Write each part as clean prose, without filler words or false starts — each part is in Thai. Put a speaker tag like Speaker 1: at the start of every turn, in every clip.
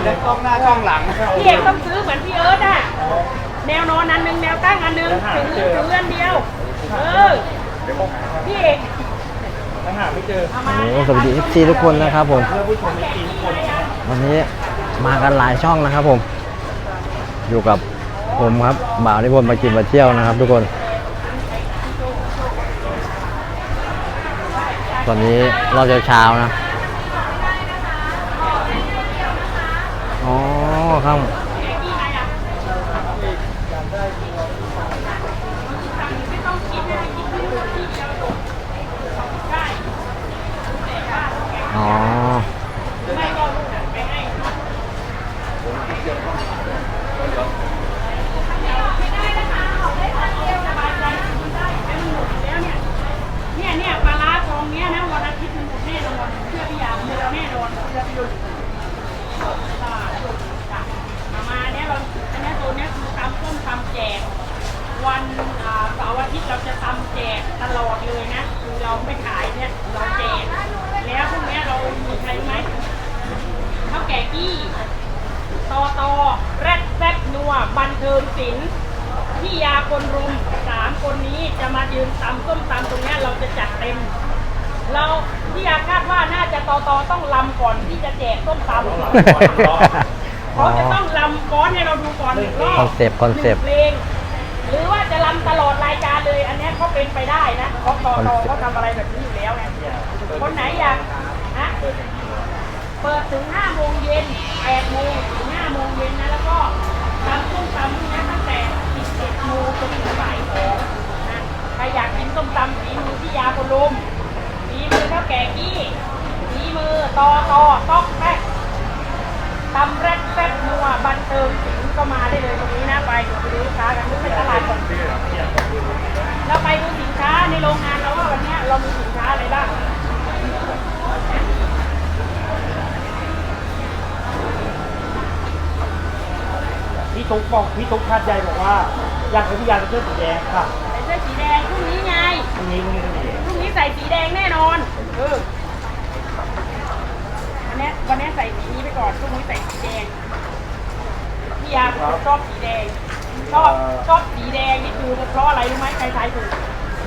Speaker 1: เลยกล้องหน้ากล้องหลัง
Speaker 2: พี่เอกต้องซื้อเหมือนพี่เอิร์ธอ่ะแนวนอนอันหนึ่งแนวตั้งอันหนึ่งถึงเลื่อนเดียวพี่เอก
Speaker 1: หาไม่เจอ
Speaker 3: โอ้สวัสดีFCทุกคนนะครับผมวันนี้มากันหลายช่องนะครับผมอยู่กับผมครับบ่าวนิพนธ์มากินมาเที่ยวนะครับทุกคนตอนนี้รอบเช้านะอ๋อครับอ๋อ
Speaker 2: เนี่ยปลาร้าทองเนี้ยนะวันอาทิตย์มันหมดแน่นอนเชื่อพี่ยาเชื่อแน่นอนเชื่อพี่ยุนมาเนี่ยเราเนี่ยตัวเนี้ยคือตำส้มตำแจกวันเสาร์อาทิตย์เราจะตำแจกตลอดเลยนะคือเราไม่ขายเนี่ยเราแจกแล้วพวกนี้เรามีใครไหมข้าวแก่กี้ตอแรดแซ่บนัวบันเทิงศิลป์พี่ยาคนรุม3 คนนี้จะมายืนตำส้มตำตรงนี้เราจะจัดเต็มเราพี่ยาคาดว่าน่าจะตอต้องลำก่อนที่จะแจกส้มตำเขาจะต้องลำก้อนให้เราดูก่อน1 รอบ
Speaker 3: คอนเซปต์
Speaker 2: 1 เพลงหรือว่าจะลำตลอดรายการเลยอันนี้เขาเป็นไปได้นะเพราะตอเขาทำอะไรแบบนี้อยู่แล้วไงคนไหนอยากนะเปิดถึง5 โมงเย็น8 โมงถึง5 โมงเย็นนะแล้วก็ตำส้มตำนะตั้งแต่11 โมงจนถึงบ่าย 2นะใครอยากกินส้มตำฝีมือพี่ยาคนลุมฝีมือเท่าแก่กี้ฝีมือตอกแป๊กตำแรกแซ่บนัวบันเทิงศิลป์ก็มาได้เลยตรงนี้นะไปเดี๋ยวไปดูลูกค้ากันดูในตลาดก่อนเราไปดูสินค้าในโรงงานเราว่าวันนี้เรามีสินค้าอะไรบ้าง
Speaker 1: พี่ตุ๊กคาดใจบอกว่าอยากให้พี่ยาใส่เสื้อสีแดงค่ะ
Speaker 2: ใส่เสื้อสีแดงพรุ่งนี้ไง
Speaker 1: พรุ่งนี้
Speaker 2: ใส่สีแดงแน่นอนวันนี้ใส่สีนี้ไปก่อนพรุ่งนี้ใส่สีแดงพี่ยาชอบสีแดงชอบสีแดงนี่คือเพราะอะไรรู้ไหมใครทายถูก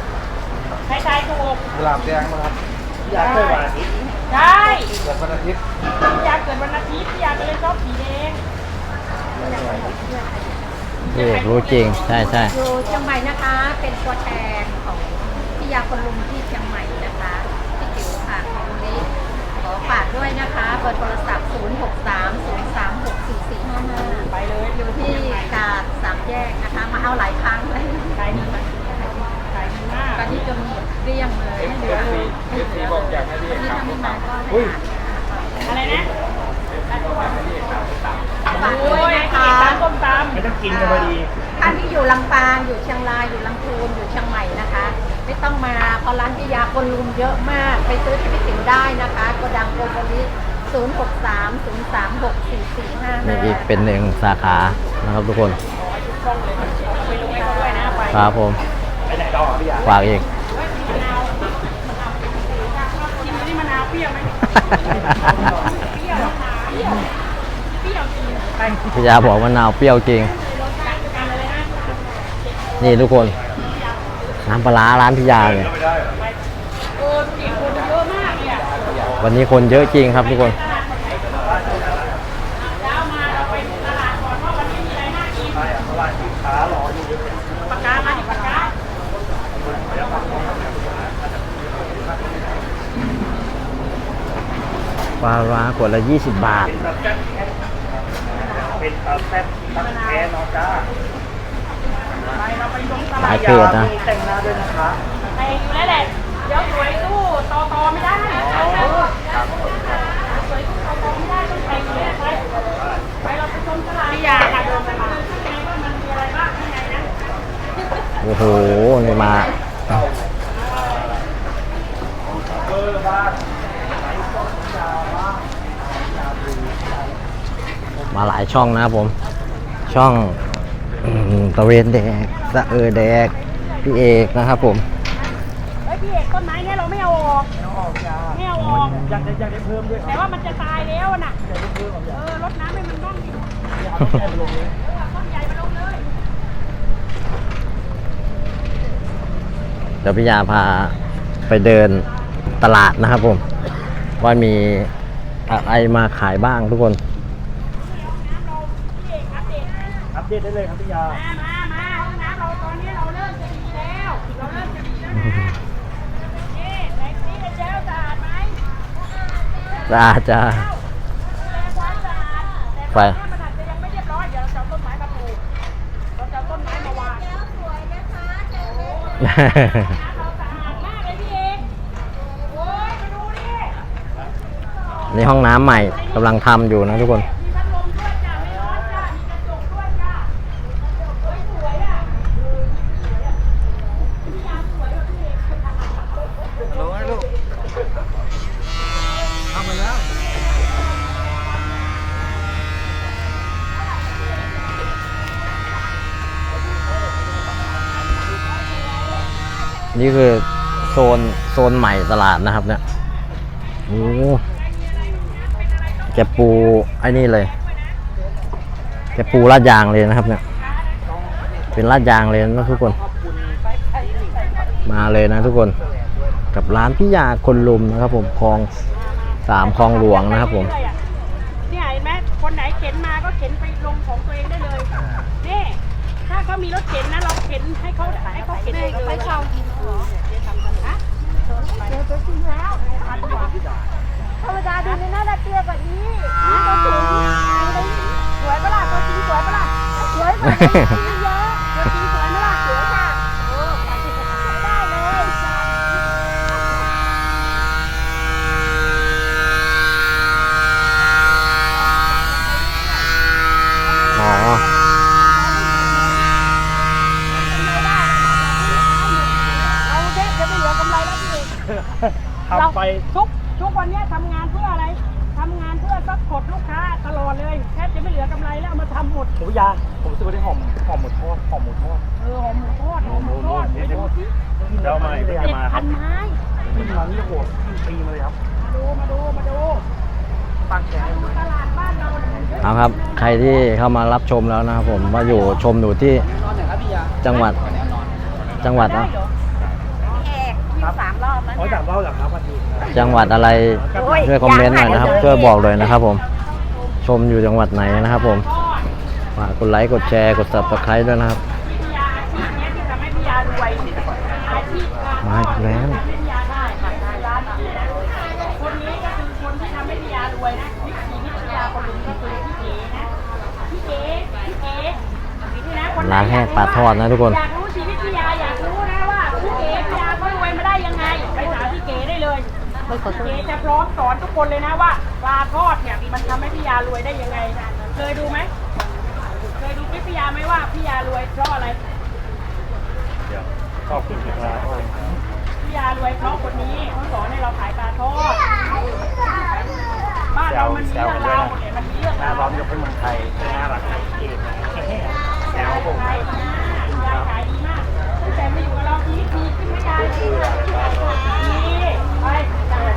Speaker 1: กุหลาบแดงนะครับพี่ยาเกิดวันอาทิตย์
Speaker 2: ใช่
Speaker 1: เกิดวันอาทิตย์
Speaker 2: พี่ยาเกิดวันอาทิตย์พี่ยาก็เลยชอบสีแดง
Speaker 3: พี่เอกรู้จริงใช่
Speaker 4: อยู่เชียงใหม่นะคะเป็นตัวแทนของพี่ยาคนลุมที่เชียงใหม่นะคะพี่จิ๋วค่ะของวันนี้ขอฝากด้วยนะคะเบอร์โทรศัพท์ 0630364455
Speaker 2: ไปเลย
Speaker 4: อยู่ที่กาด3 แยกนะคะมาเอาหลายครั้งเลย
Speaker 2: ขายดีมาก
Speaker 4: ตอนนี้จนหมดเกลี้ยงเลย
Speaker 1: เหลือเลยพี่บอกอยากให้พี่เอกทำส้มตำ
Speaker 2: อะไรนะ
Speaker 4: ฝากด้วยนะคะ
Speaker 2: ส้มตำ
Speaker 1: ไม่ต้องกินกันพอดี
Speaker 4: ท่านที่อยู่ลำปางอยู่เชียงรายอยู่ลำพูนอยู่เชียงใหม่นะคะไม่ต้องมาเพราะร้านพี่ยาคนลุมเยอะมากไปซื้อที่พี่ติ๋วได้นะคะโกดังโกโบลิ0630364455
Speaker 3: มีอีกเป็น1 สาขานะครับทุกคนครับผม
Speaker 1: ไปไหนต่อพี่ยา
Speaker 3: ฝากอีก
Speaker 2: กินนี่มะนาวเปรี้ยวไหมเปรี้ยว
Speaker 3: พี่ยาบอกมะนาวเปรี้ยวจริงนี่ทุกคนน้ำปลาร้าร้านพี่ยาเนี่ยวันนี้คนเยอะจริงครับทุกคนปลาร้าขวดละ20 บาท
Speaker 1: เป็นแซ่บตักแท้น้องจ้า
Speaker 3: หลายเพจนะ
Speaker 1: แต่งหน้าด้วยนะคะ
Speaker 2: แต่งอยู่แล้วแหละเดี๋ยวสวยสู้ตอไม่ได้สวยสู้ตอไม่ได้ต้องแต่งอยู่แล้วไปเราไปชมตลาดพี่ยาค่ะเดินไปมาข้างในว่ามันมีอะไรบ้างข้างในนะ
Speaker 3: โอ้โหนี่มาหลายช่องนะครับผมช่องตะเวนแดกสะแดกพี่เอกนะครับผม
Speaker 2: พี่เอกต้นไม้เนี่ยเราไม่เอาออกไม่เอาออก
Speaker 1: อยากได้เพิ่มด้วย
Speaker 2: แต่ว่ามันจะตายแล้วน่ะรดน้ำให้มัน
Speaker 3: เดี๋ยวพี่ยาพาไปเดินตลาดนะครับผม ว่ามีอะไรมาขายบ้างทุกคน
Speaker 1: อัปเดตได้เลยครับพี่ยา
Speaker 2: มาห้องน้ำเราตอนนี้เราเริ่มจะดีแล้วเราเริ่มจะดีแล้วนะนี่ไหนซีกันเจลสะอาดไหม
Speaker 3: สะอาดจ้า
Speaker 2: ดูแลความสะอาดแต่ต
Speaker 3: ไป
Speaker 2: อนนี้มันอาจจะยังไม่เรียบร้อยเดี๋ยวเราจะเอาต้นไม้มาปลูกเราจะเอาต้นไม้มาวางน้ำเราสะอาดมากเลยพี่เอกโอ้ยมาดูดิ
Speaker 3: นี่ห้องน้ำใหม่กำลังทำอยู่นะทุกคน
Speaker 2: มีพัดลมด้วยจ้ะไม่ร้อนจ้ะมีกระจกด้วยจ้ะสวยๆอ่ะพี่ยามสวยว่ะพี่เอก
Speaker 1: ลงให้ลูกทำมาแล้ว
Speaker 3: นี่คือโซนใหม่ตลาดนะครับเนี่ยโอ้แกปูไอ้นี่เลยแกปูลาดยางเลยนะครับเนี่ยเป็นลาดยางเลยนะทุกคน มาเลยนะทุกคนกับร้านพี่ยาคนลุมนะครับผมคลอง3คลองหลวงนะครับผม
Speaker 2: เนี่ยเห็นไหมคนไหนเข็นมาก็เข็นไปลงของตัวเองได้เลยนี่ถ้าเขามีรถเข็นนะเราเข็นให้เขาเข็นเองเลยให้เขายิงเหรอฮะเดี๋ยวจะจริงแล้วพันกว่าธรรมดาดูในหน้าตาเตี้ยกว่านี้ตัวสูงสวยปะล่ะตัวจริงสวยปะล่ะสวยกว่าตัวจริงเยอะตัวจริงสวยไหมล่ะสวยค่ะโอ้ได้เลย
Speaker 3: อ๋อ
Speaker 2: เราแทบจะไม่เหลือกำไรแล้วพี่เอก
Speaker 1: ทำไป
Speaker 2: ทุกวันเนี้ยทำงานเพื่ออะไรทำงานเพื่อซัพพอร์ตลูกค้าตลอดเลยแทบจะไม่เหลือกำไรแล้วเอามาทำหมด
Speaker 1: ผมพี่ยาผมซื้อได้หอมหมูทอดหอมหมูทอด
Speaker 2: หอมหมูทอดไปดูสิ
Speaker 1: เดี๋ยวเอามาเดี๋ยวจะมาค
Speaker 2: พั
Speaker 1: รับ
Speaker 2: นไม้
Speaker 1: ขึ้นมานี่โหดขึ้นปีมาเลยครับ
Speaker 2: มาดู
Speaker 1: ตั้งแกง
Speaker 2: ตลาดบ้านเราเนี่ย
Speaker 3: เอาครับใครที่เข้ามารับชมแล้วนะครับผมว่าอยู่ชมอยู่ที่จังหวัดนะ
Speaker 1: ครับ3 รอบแล้วเนี่ย3 รอบหลังครับวันนี้
Speaker 3: จังหวัดอะไรช่วยคอมเมนต์หน่อยนะครับช่วยบอกเลยนะครับผมชมอยู่จังหวัดไหนนะครับผมฝากกดไลค์กดแชร์กด Subscribe ด้วยนะครับ
Speaker 2: พี่ยาอาชีพเนี้ยที่ทำให้พี่ยารวยอาชีพการ
Speaker 3: มาอีกแล้ว
Speaker 2: ทำให้พี่ยาได้ค่ะร้านนี้นะคนนี้ก็คือคนที่ทำให้พี่ยารวยนะวิถีพี่ยาคนหนึ่งก็คือพี่เก๋นี่นะคนไหน
Speaker 3: ร้านแห้งปลาทอดนะทุกคน
Speaker 2: อยากรู้ชีวิตพี่ยาอยากรู้นะว่าพี่เก๋พี่ยาเขารวยมาได้ยังไงไปถามพี่เก๋ได้เลยพี่เก๋จะพร้อมสอนทุกคนเลยนะว่าปลาทอดเนี่ยมันทำให้พี่ยารวยได้ยังไงเคยดูไหมเคยดูคลิปพี่ยาไหมว่าพี่ยารวยเพราะอะไร
Speaker 1: เดี๋ยวขอบคุณครับ
Speaker 2: พี่ยารวยเพราะคนนี้เขาสอนให้เราขายปลาทอดบ้านเรามันมีเรื่องราวหมดเลยมันมีเรื่อง
Speaker 1: หน้าร
Speaker 2: าว
Speaker 1: ร้อนยกให้เมืองไทยน่ารักไทยเองแซวผม
Speaker 2: ขายดีมากยายขายดีมากตั้งแต่มาอยู่กับเราชีวิตดีขึ้นไหมยายดีไปจ้า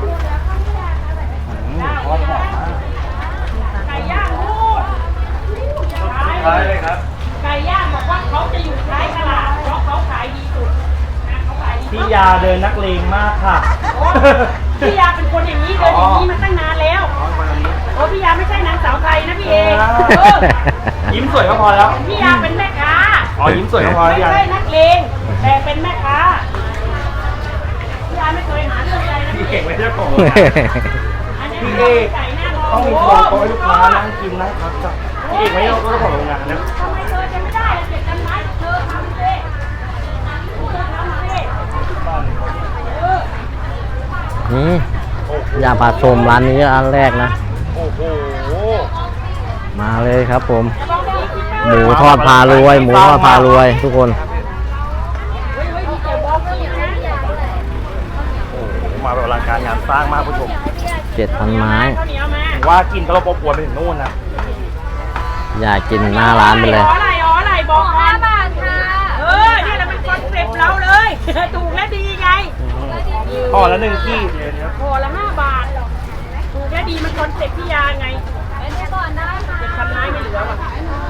Speaker 1: ทอดหอมมาก
Speaker 2: ไก่ย่างลูก
Speaker 1: ใช่เลยครับ
Speaker 2: ไก่ย่างบอกว่าเขาจะอยู่ท้ายตลาดเพราะเขาขายดีสุดนะเขาขายดี
Speaker 1: พี่ยาเดินนักเลงมากค่ะ
Speaker 2: พี่ยาเป็นคนอย่างนี้เดินอย่างนี้มาตั้งนานแล้วโอ้พี่ยาไม่ใช่นางสาวไทยนะพี่เอกเออ
Speaker 1: ยิ้มสวยก็พอแล้ว
Speaker 2: พี่ยาเป็นแม่ค้า
Speaker 1: อ๋อยิ้มสวยก็พอ
Speaker 2: ไม่
Speaker 1: พี่ยา
Speaker 2: ใช่นักเลงแต่เป็นแม่ค้าพี่ยาไม่เคยหาเรื่องใครนะ
Speaker 1: พี่
Speaker 2: พี่เอ
Speaker 1: เก่ง
Speaker 2: ก
Speaker 1: ไม่ใช่ผม
Speaker 2: อันนี้
Speaker 1: พี่
Speaker 2: ไม่
Speaker 1: เอ
Speaker 2: ใช่
Speaker 1: ก
Speaker 2: ไก่หน้าล
Speaker 1: ต้องมี
Speaker 2: โอ้
Speaker 1: โต๊ะให้ลูกค้า
Speaker 2: ท
Speaker 1: นั่งกินนั่งพักจ้ะพี่เอกไม่ต้องของโรงงานนะ
Speaker 2: ำไมเธอจะไม่ได้ล่ะเจ็ดกันไม้เธอทำสิเธอทำสิเออ
Speaker 3: นี่อย่าพาชมร้านนี้ร้านแรกนะ
Speaker 1: โอ้โห
Speaker 3: มาเลยครับผม
Speaker 2: จะลองดีคิดไหม
Speaker 3: หมูทอดพารวย หมูทอดพารวยทุกคน
Speaker 2: เฮ้ยมีแต่บอกกินนะ
Speaker 1: โอ้โหมาแบบอลังการงานสร้างมากผู้ชม
Speaker 3: 7,000 ไม้
Speaker 2: ข้าวเหนียวมา
Speaker 1: ว่ากินก็เราปวนไปถึงนู่นนะ
Speaker 3: อยากกินหน้าร้านไปเลย
Speaker 2: อะไรบอก5 บาทค่ะนี่แหละเป็นคอนเซ็ปต์เราเลย ถูกและดีไง
Speaker 1: ห่อละ1 ขีดเลยเนี่ย
Speaker 2: ห่อละ5 บาท ถูกและดีมันคอนเซ็ปต์พี่ยาไง7,000 ไม้ไม่เหลือว่ะ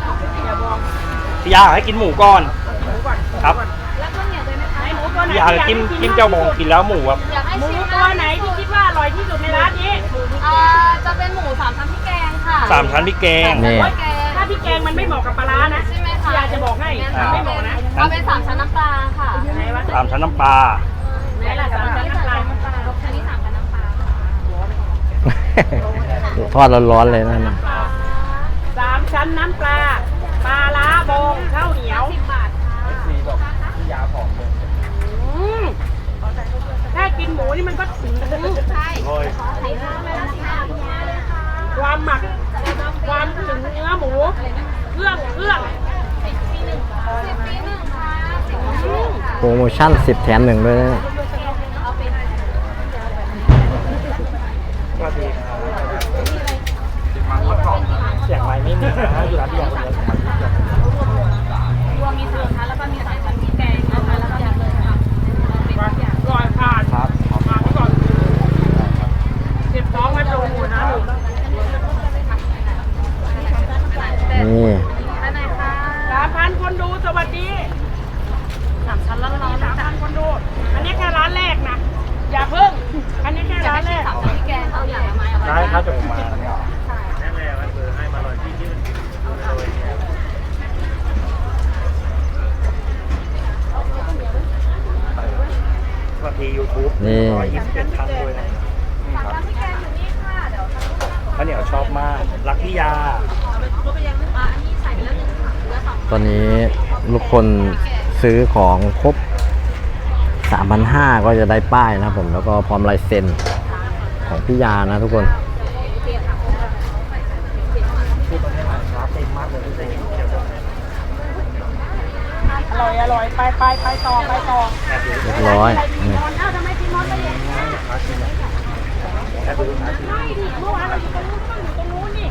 Speaker 1: พี่ยาให้กินหมูก่อน
Speaker 2: หมูก่อน
Speaker 1: ครับ
Speaker 2: แล้วก็เหนียวเลยไหมหมูตัวไหน
Speaker 1: พี่ยากินเจ้าบองกินแล้วหมูแบบ
Speaker 2: อยากให้หมูตัวไหนที่คิดว่าอร่อยที่สุดในร้านนี้
Speaker 5: จะเป็นหมูสามชั้นพริกแกงค่ะ
Speaker 1: 3 ชั้นพริกแกง
Speaker 3: นี่
Speaker 2: โอ๊ยถ้าพี่แกงมันไม่เหมาะกับปลาร้านะ
Speaker 5: ใช่ไหมคะ
Speaker 2: พี่ยาจะบอกให้
Speaker 1: อ่า
Speaker 2: ไม่เหมาะนะ
Speaker 5: เอาเป็นสามชั้นน้ำปลาค่ะ
Speaker 2: ไหนวะ
Speaker 1: 3 ชั้นน้ำปลา
Speaker 2: ไหนล่ะสามชั้นน้ำปลา
Speaker 5: ชั้นนี้สามชั้นน้ำปลา
Speaker 3: ทอดร้อนๆเลยนั่นน่ะ
Speaker 2: 3 ชั้นน้ำปลาปลาร้าบองข้าวเหนียว
Speaker 5: 10 บาทค่ะ
Speaker 2: อืมถ้ากินหมูนี่มันก็ถึง
Speaker 5: ใช่
Speaker 1: โอ้ย
Speaker 5: ไข่ข้าวไม่ละ10 บาทเลยค่ะ
Speaker 2: ความหมักความถึงเนื้อหมู เครื่อง
Speaker 5: 10 ปี 1 ค่ะ10 ปี 1 ค่ะ10 ปี 1 ค่ะ
Speaker 3: โปรโมชั่น10 แถม 1ด้วยนะ
Speaker 5: เอาเป็น
Speaker 1: สวัสดีครับเสียงไม้ไม่มีนะอยู่ร้านพี่ยาคนเดียว
Speaker 5: รวมมีสามชั้นแล้วก็มีสามชั้นพริกแกงนะคะแล้วก็มีเลยค่ะเป็นทุกอย่าง
Speaker 2: ก่อนผ่าน
Speaker 1: ครับ
Speaker 2: มาไปก่อนเก็บท้องไว้โปรโมทนะลูก
Speaker 3: นี่
Speaker 5: อันไหนคะ
Speaker 2: 3,000 คนดูสวัสดี
Speaker 5: สามชั้นแล้วเรา
Speaker 2: 3,000 คนดู อันนี้แค่ร้านแรกนะ อย่าเพิ่ง อันนี้แค่
Speaker 5: อยาก
Speaker 2: ร้าน
Speaker 5: ให้
Speaker 2: แร
Speaker 5: ชิม
Speaker 2: ก
Speaker 5: สามชั้นพริกแกงเอาอย่างละไม้เอา
Speaker 1: ได้ครับจะมาเนี่ย สวัสดี YouTube
Speaker 3: นี่
Speaker 1: 121 ครั้งด้วยนะ
Speaker 5: สามชั้นพริกแกงอยู่นี่ค่ะเดี๋ยว
Speaker 1: ข้าวเหนียวชอบมาก รักพี่ยา
Speaker 5: อันนี้ใส่ไปแล้ว1ค่ะเหลือ2
Speaker 3: ตอนนี้ลูกคนซื้อของครบ 3,500 ก็จะได้ป้ายนะครับผม แล้วก็พร้อมลายเซ็นของพี่ยานะทุกคน
Speaker 2: อร่อย ไปต่อ
Speaker 3: เรียบร้อย
Speaker 2: ใครกิน
Speaker 3: นี่
Speaker 2: นอนทำไมกินนอนไปอย่างนี้ไม่ดิเมื่อวานเราอยู่ตรงนู้นก็อยู่ตรงนู้นนี่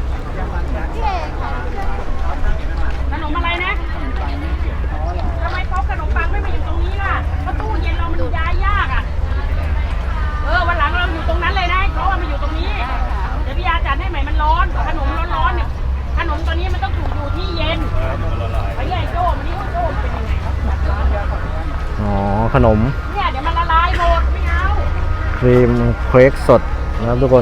Speaker 2: ขนมอะไรนะทำไมโต๊ะขนมปังไม่มาอยู่ตรงนี้ล่ะเพราะตู้เย็นเรามันย้ายยากอ่ะ วันหลังเราอยู่ตรงนั้นเลยนะเพราะว่ามาอยู่ตรงนี้ เดี๋ยวพี่ยาจัดให้ใหม่มันร้อน ขนมร้อนๆเนี่ย ขนมตัวนี้มันต้องถูกอยู่ที่เย็นไปเรียกไอ้โจ้มันนี่ว่าโจ้มันเป็นยังไงครับ
Speaker 3: อ๋อ ขนม
Speaker 2: เนี่ยเดี๋ยวมันละลายหมดไม่เอา
Speaker 3: ครีมเค้กสดนะครับทุกคน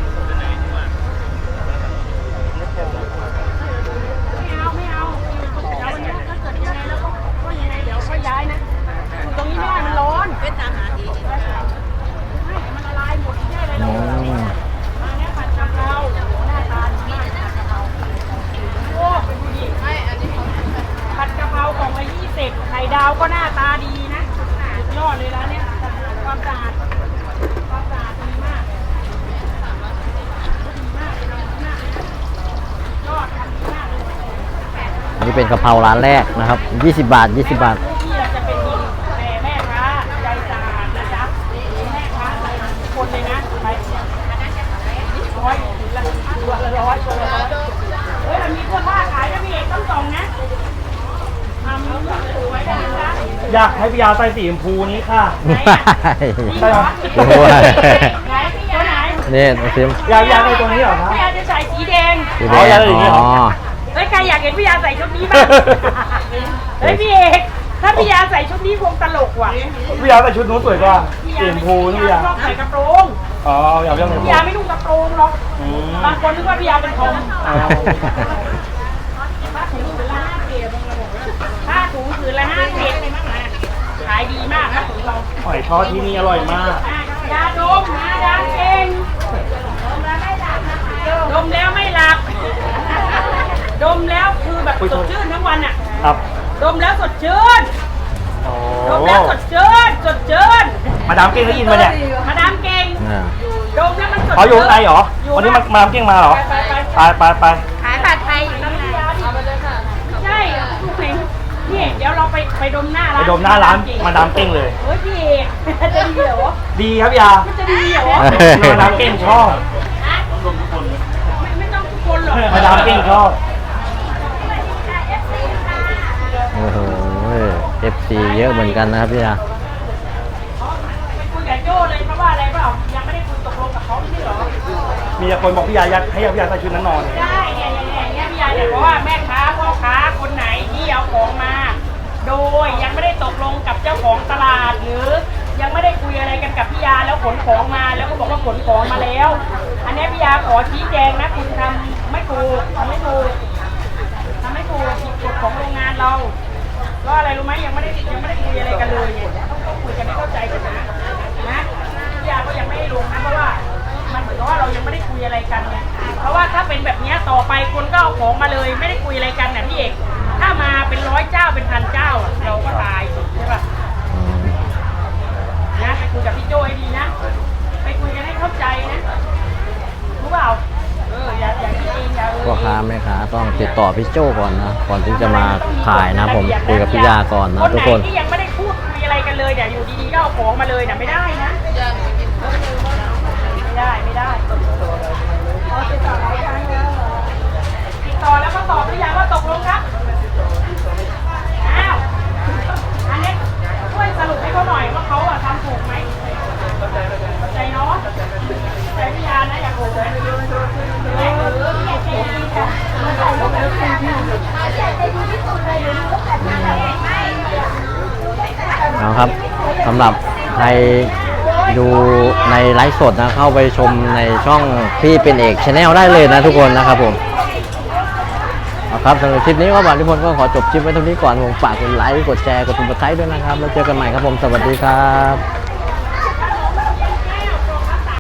Speaker 2: ไม่เอาเดี๋ยววันนี้ถ้าเกิดยังไงแล้วก็ยังไงเดี๋ยวค่อยย้ายนะอยู่ตรงนี้ไม่ได้มันร้อนเป็นตามหาดีให้มันละลายหมดไม่ได้เลย
Speaker 3: อ๋อ
Speaker 2: อันนี้ผัดกะเพราหน้าตาดีมากผัดกะเพราโอ้เป็นผู้หญิงผัดกะเพรากล่องละ20ไข่ดาวก็หน้าตาดีนะสุดยอดเลยร้านเนี้ยความสะอาดดีมากยอดทำดีมากเลย
Speaker 3: นี่เป็นกะเพราร้านแรกนะครับ 20 บาท 20 บาท
Speaker 2: ที่เราจะเป็นดีแต่แม่ค้าใจสะอาดนะจ๊ะแม่ค้าใจทุกคนเลยนะไป100ตัวละ100เฮ้ยมันมีเสื้อผ้าขายนะพี่เอกต้องส่องนะทำสวยๆนะจ๊ะ
Speaker 1: อยากให้พี่ยาใส่สีชมพูนี้ค่ะ
Speaker 2: ใช่เหรอ
Speaker 3: โอ้ย
Speaker 2: ไหนพี่ยาไหน
Speaker 3: นี่ซิม
Speaker 1: อยากใส่ตัวนี้เหรอครับ
Speaker 2: พี่ยาจะใส่สีแดง
Speaker 3: สี
Speaker 1: อ๋อ
Speaker 3: แด
Speaker 1: อย่าง อย่างนี้เหรอ
Speaker 3: อ๋อ
Speaker 2: เฮ้ยใครอยากเห็นพี่ยาใส่ชุดนี้บ้างเฮ้ยพี่เอกถ้าพี่ยาใส่ชุดนี้คงตลกว่ะ
Speaker 1: พี่ยาใส่ชุดนู้นสวยกว่าสีชมพูนี่พี่ยา
Speaker 2: ชอบใส่กระโปรง
Speaker 1: อ๋ออยากเรื่อง
Speaker 2: พี่ยาไม่นุ่งกระโปรงหรอก
Speaker 1: อืม
Speaker 2: บางคนนึกว่าพี่ยาเป็นทอม
Speaker 1: อ๋อ
Speaker 2: ผ้าถุงผืนละผ้าถุงผืนละขายดีมากผ้าถุงเรา
Speaker 1: หอยทอดที่นี่อร่อยมาก
Speaker 2: ยาดมนะยาเองดมแล้วไม่หลับ ดมแล้วคือแบบสดชื่นทั้งวันอ่ะ
Speaker 1: ครับ
Speaker 2: ดมแล้วสดชื่น
Speaker 1: โอ้
Speaker 2: ดมแล้วสดชื่นสดชื่น
Speaker 1: มาดามเก่งได้ยินมาเนี่ย
Speaker 2: มาดามเก่ง
Speaker 3: อ่า
Speaker 2: ดมแล้วมันสด
Speaker 1: เขาอยู่ข้างในเหรอ
Speaker 2: อยู่
Speaker 1: วันนี้มาดามเก่งมาเหรอ ไป
Speaker 2: ขายผัดไทยอยู่ตรงนี้ใช่ทุกเพลงพี่เดี๋ยวเราไปดมหน้า
Speaker 1: ไป
Speaker 2: ร้าน
Speaker 1: ดมหน้าร้านมาดามเก่งเลย
Speaker 2: เฮ้ยพี่เอกจะดีเหรอ
Speaker 1: ดีครับพี่ยา
Speaker 2: มันจะดีเหรอ
Speaker 1: มาดามเก่งชอบ
Speaker 2: ไม่ต้องทุกคนหรอก
Speaker 1: มาดามเก่งชอบ
Speaker 3: โอ้โห FC เยอะเหมือนกันนะครับพี่ยา
Speaker 2: ไปคุยกับโจ้เลยเพราะว่าอะไรเปล่ายังไม่ได้คุยตกลงกับเขาไม่ใช่เหรอ
Speaker 1: มีแต่คนบอกพี่ยาอยากให้พี่ยาใส่ชุดนั้นนอน
Speaker 2: ได้เนี่ยพี่ยาเนี่ยเพราะว่าแม่ค้าพ่อค้าคนไหนที่เอาของมา โดยยังไม่ได้ตกลงกับเจ้าของตลาด หรือยังไม่ได้คุยอะไรกันกับพี่ยาแล้วขนของมาแล้วก็บอกว่าขนของมาแล้ว อันนี้พี่ยาขอชี้แจงนะคุณทำไม่ถูกทำไม่ถูกผิดกฎของโรงงานเราก็อะไรรู้ไหมยังไม่ได้คุยอะไรกันเลยเนี่ยต้องคุยกันให้เข้าใจกันนะพี่ยาก็ยังไม่ได้ลงนะเพราะว่ามันเหมือนกับว่าเรายังไม่ได้คุยอะไรกันไงเพราะว่าถ้าเป็นแบบนี้ต่อไปคนก็เอาของมาเลยไม่ได้คุยอะไรกันนะพี่เอกถ้ามาเป็น100 เจ้าเป็น1,000 เจ้าอะเราก็ตายใช่ป่ะนะไปคุยกับพี่โจให้ดีนะไปคุยกันให้เข้าใจนะรู้เปล่าอย่าคิดเองอย่า
Speaker 3: พ่อค้าแม่ค้าต้องติดต่อพี่โจ้ก่อนนะก่อนที่จะมาขายนะผมคุยกับพี่ยาก่อนนะทุกคน
Speaker 2: ไหนที่ยังไม่ได้พูดคุยอะไรกันเลยเนี่ยอยู่ดีๆก็เอาของมาเลยเนี่ยไม่ได้นะไม่ได้ติดต่อแล้วก็ตอบหรือยังว่าตกลงครับอ้าวอันนี้ช่วยสรุปให้เขาหน่อยว่าเขาทำถูกไหมเข้าใจเนาะใจพี่ยานะอย่าโกรธเลย
Speaker 3: เอาครับสำหรับใครดูในไลฟ์สดนะเข้าไปชมในช่องพี่เป็นเอกชาแนลได้เลยนะทุกคนนะครับผมเอาครับสำหรับคลิปนี้ก็บาททุกคนก็ขอจบคลิปไว้เท่านี้ก่อนผมฝากกดไลค์กดแชร์กดติดตามด้วยนะครับแล้วเจอกันใหม่ครับผมสวัสดีครับ